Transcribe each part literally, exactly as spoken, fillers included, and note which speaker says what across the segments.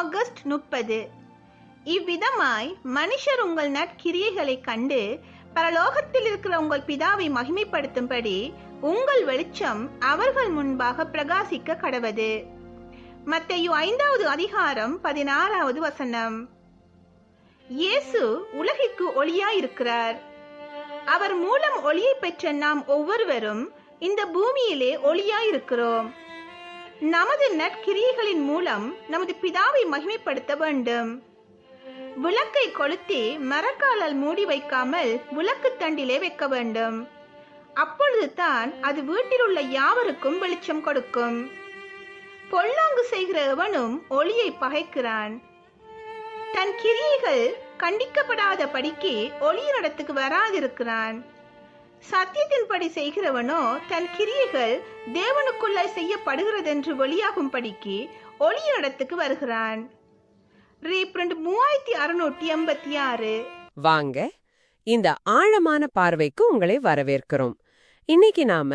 Speaker 1: August முப்பது. இவ்விதமாய் மனுஷர் உங்கள் நற்கிரியைகளைக் கண்டு பரலோகத்தில் இருக்கிற உங்கள் பிதாவை மகிமைப்படுத்தும்படி உங்கள் வெளிச்சம் அவர்கள் முன்பாக பிரகாசிக்க கடவது. மத்தேயு ஐந்தாவது அதிகாரம் பதினாறாவது வசனம். இயேசு உலகிற்கு ஒளியாயிருக்கிறார். அவர் மூலம் ஒளியை பெற்ற நாம் ஒவ்வொருவரும் இந்த பூமியிலே ஒளியாயிருக்கிறோம். நமது நற்கிரியைகளின் மூலம் நமது பிதாவை மகிமைப்படுத்த வேண்டும். விளக்கை கொளுத்தி மரக்காலால் மூடி வைக்காமல் விளக்கு தண்டிலே வைக்க வேண்டும். அப்பொழுது தான் அது வீட்டில் உள்ள யாவருக்கும் வெளிச்சம் கொடுக்கும். பொல்லாங்கு செய்கிற எவனும் ஒளியை பகைக்கிறான். தன் கிரியைகள் கண்டிக்கப்படாத படிக்கு ஒளியினிடத்துக்கு வராதிருக்கிறான். சத்தியத்தின்படி செய்கிறவனோ தன் கிரியைகள் தேவனுக்குள்ள செய்யப்படுகிறதென்று வெளியாகும் படிக்கு ஒளியினிடத்துக்கு வருகிறான். மூவாயிரத்தி அறுநூற்றி எண்பத்தி ஆறு.
Speaker 2: வாங்க, இந்த ஆழமான பார்வைக்கு உங்களை வரவேற்கிறோம். இன்னைக்கு நாம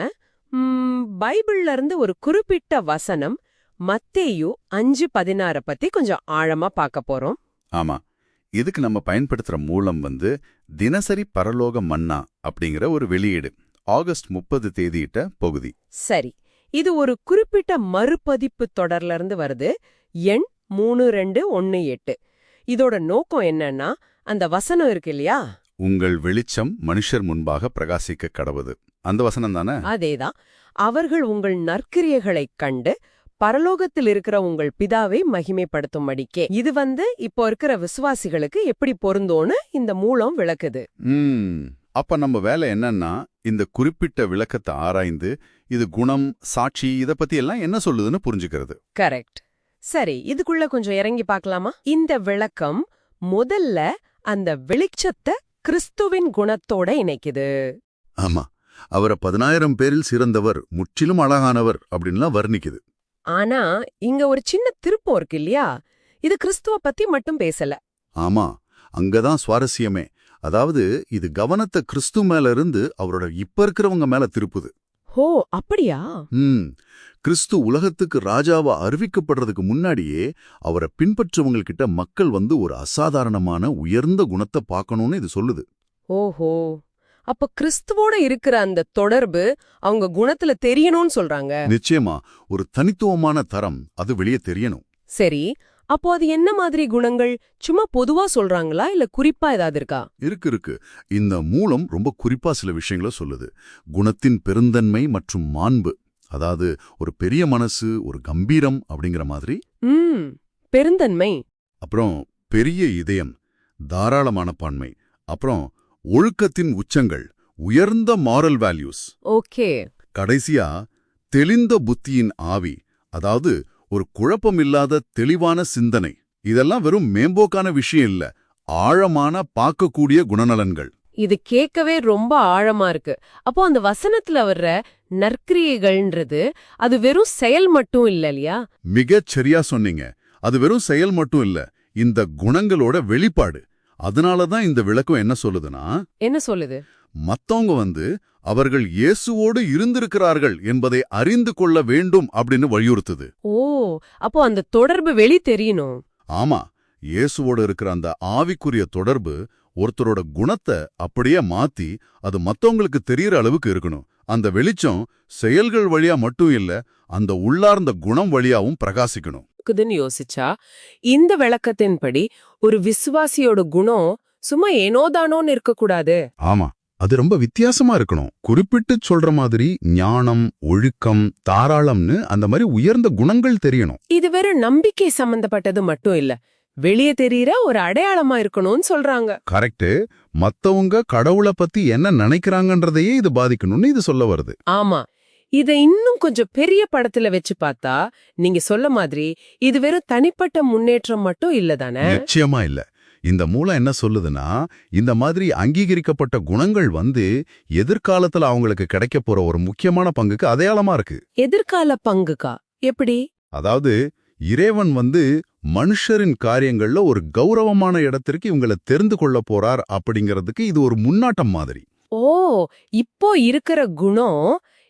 Speaker 2: ம், பைபிள்ல இருந்து ஒரு குறிப்பிட்ட வசனம் மத்தேயு அஞ்சு பதினாறு பத்தி கொஞ்சம் ஆழமா பார்க்க போறோம்.
Speaker 3: ஆமா, இதுக்கு நம்ம பயன்படுத்துற மூலம் வந்து தினசரி பரலோக மன்னா அப்படிங்கிற ஒரு வெளியீடு, ஆகஸ்ட் முப்பது தேதியிட்ட பகுதி.
Speaker 2: சரி, இது ஒரு குறிப்பிட்ட மறுபதிப்பு தொடர்ல இருந்து வருது. எண் மூணு ரெண்டு ஒன்னு எட்டு. இதோட நோக்கம் என்னன்னா, அந்த வசனம் இருக்கு இல்லையா,
Speaker 3: உங்கள் வெளிச்சம் மனுஷர் முன்பாக பிரகாசிக்க கடவுது, அந்த வசனம் தானே?
Speaker 2: அதேதான். அவர்கள் உங்கள் நற்கிரியைகளைக் கண்டு பரலோகத்தில் இருக்கிற உங்கள் பிதாவை மகிமைப்படுத்தும்படிக்கே. இது வந்து இப்போ இருக்கிற விசுவாசிகளுக்கு எப்படி பொருந்தோன்னு இந்த மூலம் விளக்குது.
Speaker 3: ம் அப்ப நம்ம வேலை என்னன்னா, இந்த குறிப்பிட்ட விளக்கத்தை ஆராய்ந்து இது குணம், சாட்சி, இத பத்தி எல்லாம் என்ன சொல்லுதுன்னு புரிஞ்சுக்கிறது.
Speaker 2: கரெக்ட். சரி, இதுக்குள்ள கொஞ்சம் இறங்கி பார்க்கலாமா? இந்த விளக்கம் முதல்ல அந்த வெளிச்சத்தை கிறிஸ்துவின் குணத்தோட இணைக்குது.
Speaker 3: ஆமா, அவரை பதினாயிரம் பேரில் சிறந்தவர், முற்றிலும் அழகானவர் அப்படின்லாம் வர்ணிக்குது.
Speaker 2: ஆனா இங்க ஒரு சின்ன திருப்பம் இருக்கு இல்லையா? இது கிறிஸ்துவ பத்தி மட்டும் பேசல.
Speaker 3: ஆமா, அங்கதான் சுவாரஸ்யமே. அதாவது இது கவனத்தை கிறிஸ்து மேல இருந்து அவரோட இப்ப இருக்கிறவங்க மேல திருப்புது.
Speaker 2: ஹோ, அப்படியா?
Speaker 3: ம் கிறிஸ்து உலகத்துக்கு ராஜாவா அறிவிக்கப்படுறதுக்கு முன்னாடியே அவரை பின்பற்றவங்ககிட்ட மக்கள் வந்து ஒரு அசாதாரணமான உயர்ந்த குணத்தை பார்க்கணும்னு இது சொல்லுது.
Speaker 2: ஓஹோ, அப்ப கிறிஸ்துவோட இருக்கிற அந்த தொடர்பு அவங்க குணத்துல தெரியணும்னு சொல்றாங்க.
Speaker 3: நிச்சயமா, ஒரு தனித்துவமான தரம் அது வெளியே தெரியணும்.
Speaker 2: சரி, அப்போ அது என்ன மாதிரி குணங்கள்? சும்மா பொதுவா சொல்றாங்களா, இல்ல குறிப்பா ஏதாவது இருக்கா?
Speaker 3: இருக்கு இருக்கு இந்த மூலம் ரொம்ப குறிப்பா சில விஷயங்களை சொல்லுது. குணத்தின் பெருந்தன்மை மற்றும் மாண்பு, அதாவது ஒரு பெரிய மனசு, ஒரு கம்பீரம் அப்படிங்கிற மாதிரி.
Speaker 2: ம் பெருந்தன்மை,
Speaker 3: அப்புறம் பெரிய இதயம், தாராளமான பான்மை, அப்புறம் ஒழுக்கத்தின் உச்சங்கள், உயர்ந்த மாரல் வேல்யூஸ்.
Speaker 2: ஓகே.
Speaker 3: கடைசியா தெளிந்த புத்தியின் ஆவி, அதாவது ஒரு குழப்பமில்லாத தெளிவான சிந்தனை. இதெல்லாம் வெறும் மேம்போக்கான விஷயம் இல்ல, ஆழமான பார்க்கக்கூடிய குணநலன்கள்.
Speaker 2: இது கேட்கவே ரொம்ப ஆழமா இருக்கு. அப்போ அந்த வசனத்துல வர்ற நற்கிரியைகள்ன்றது அது வெறும் செயல் மட்டும் இல்ல இல்லையா?
Speaker 3: மிகச் சரியா சொன்னீங்க. அது வெறும் செயல் மட்டும் இல்ல, இந்த குணங்களோட வெளிப்பாடு. அதனாலதான் இந்த விளக்கம் என்ன சொல்லுதுன்னா,
Speaker 2: என்ன சொல்லுது?
Speaker 3: மத்தவங்க வந்து அவர்கள் இயேசுவோடு இருந்திருக்கிறார்கள் என்பதை அறிந்து கொள்ள வேண்டும் அப்படின்னு வலியுறுத்துது.
Speaker 2: ஓ, அப்போ அந்த தொடர்பு வெளி தெரியணும்.
Speaker 3: ஆமா, இயேசுவோடு இருக்கிற அந்த ஆவிக்குரிய தொடர்பு ஒருத்தரோட குணத்தை அப்படியே மாத்தி அது மத்தவங்களுக்கு தெரியற அளவுக்கு இருக்கணும். அந்த வெளிச்சம் செயல்கள் வழியா மட்டும் இல்ல, அந்த உள்ளார்ந்த குணம் வழியாவும் பிரகாசிக்கணும்.
Speaker 2: யோசிச்சா இந்த விளக்கத்தின்படி ஒரு விசுவாசியோட குணம் சும்மா ஏனோதானோன்னு இருக்கக்கூடாது.
Speaker 3: ஆமா, அது ரொம்ப வித்தியாசமா இருக்கணும். குறிப்பிட்டு சொல்ற மாதிரி ஞானம், ஒழுக்கம், தாராளம்னு அந்த மாதிரி உயர்ந்த குணங்கள் தெரியணும்.
Speaker 2: இது வெறும் நம்பிக்கை சம்பந்தப்பட்டது மட்டும் இல்ல, வெளியே தெரியற ஒரு அடையாளமா இருக்கணும்னு சொல்றாங்க.
Speaker 3: கரெக்ட். மத்தவங்க கடவுளை பத்தி என்ன நினைக்கிறாங்கன்றதையே இது பாதிக்கணும்னு இது சொல்ல வருது.
Speaker 2: ஆமா, இத இன்னும் கொஞ்சம் பெரிய படத்துல வச்சு பார்த்தா நீங்க சொல்ல மாதிரி இது வெறும் தனிப்பட்ட முன்னேற்றம் மட்டும் இல்லதானே?
Speaker 3: நிச்சயமா இல்ல. இந்த மூலம் என்ன சொல்லுதுன்னா, இந்த மாதிரி அங்கீகரிக்கப்பட்ட குணங்கள் வந்து எதிர்காலத்துல அவங்களுக்கு கிடைக்க போற ஒரு முக்கியமான பங்குக்கு அடையாளமா இருக்கு.
Speaker 2: எதிர்கால பங்குக்கா? எப்படி?
Speaker 3: அதாவது இறைவன் வந்து மனுஷரின் காரியங்கள்ல ஒரு கௌரவமான இடத்திற்கு இவங்களை தெரிந்து கொள்ள போறார் அப்படிங்கிறதுக்கு இது ஒரு முன்னாட்டம் மாதிரி.
Speaker 2: ஓ, இப்போ இருக்கிற குணம்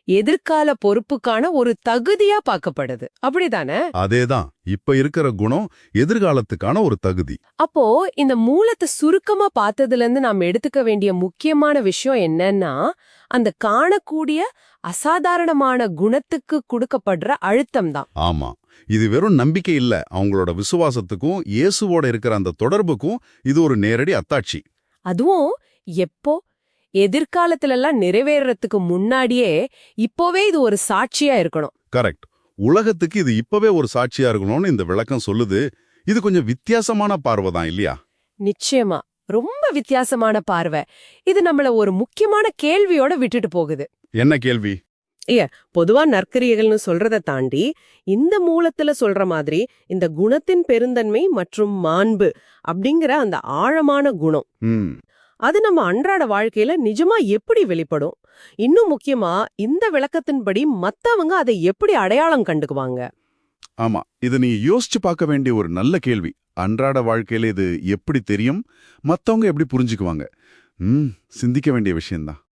Speaker 2: எதிர்கால பொறுப்புக்கான ஒரு தகுதியா பார்க்கப்படுது அப்படிதானே?
Speaker 3: அதேதான், இப்ப இருக்கிற குணம் எதிர்காலத்துக்கான ஒரு தகுதி.
Speaker 2: அப்போ இந்த மூலத்தை சுருக்கமா பார்த்ததுல இருந்து நாம் எடுத்துக்க வேண்டிய முக்கியமான விஷயம் என்னன்னா, அந்த காணக்கூடிய அசாதாரணமான குணத்துக்கு கொடுக்கப்படுற அழுத்தம் தான்.
Speaker 3: ஆமா, இது வெறும் நம்பிக்கை இல்ல, அவங்களோட விசுவாசத்துக்கும் இயேசுவோட இருக்கிற அந்த தொடர்புக்கும் இது ஒரு நேரடி அத்தாட்சி.
Speaker 2: அதுவும் எப்போ எதிர்காலத்துல எல்லாம் நிறைவேறறதுக்கு முன்னாடியே இப்போவே இது ஒரு சாட்சியா இருக்கணும்.
Speaker 3: கரெக்ட். உலகத்துக்கு இது இப்பவே ஒரு சாட்சியா இருக்கணும்னு இந்த விளக்கம் சொல்லுது. இது கொஞ்சம் வித்தியாசமான பார்வை தான் இல்லையா?
Speaker 2: நிச்சயமா, ரொம்ப வித்தியாசமான பார்வை. இது நம்மள ஒரு முக்கியமான கேள்வியோட விட்டுட்டு போகுது.
Speaker 3: என்ன கேள்வி?
Speaker 2: ஏ பொதுவா நற்கிரியைகள்னு சொல்றதை தாண்டி இந்த மூலத்துல சொல்ற மாதிரி இந்த குணத்தின் பெருந்தன்மை மற்றும் மாண்பு அப்படிங்கிற அந்த ஆழமான குணம்,
Speaker 3: ம்
Speaker 2: அது நம்ம அன்றாட வாழ்க்கையில நிஜமா எப்படி வெளிப்படும்? இன்னும் முக்கியமா இந்த விளக்கத்தின்படி மத்தவங்க அதை எப்படி அடையாளம் கண்டுக்குவாங்க?
Speaker 3: ஆமா, இது நீ யோசிச்சு பார்க்க வேண்டிய ஒரு நல்ல கேள்வி. அன்றாட வாழ்க்கையில இது எப்படி தெரியும், மத்தவங்க எப்படி புரிஞ்சுக்குவாங்க? ம் சிந்திக்க வேண்டிய விஷயம்தான்.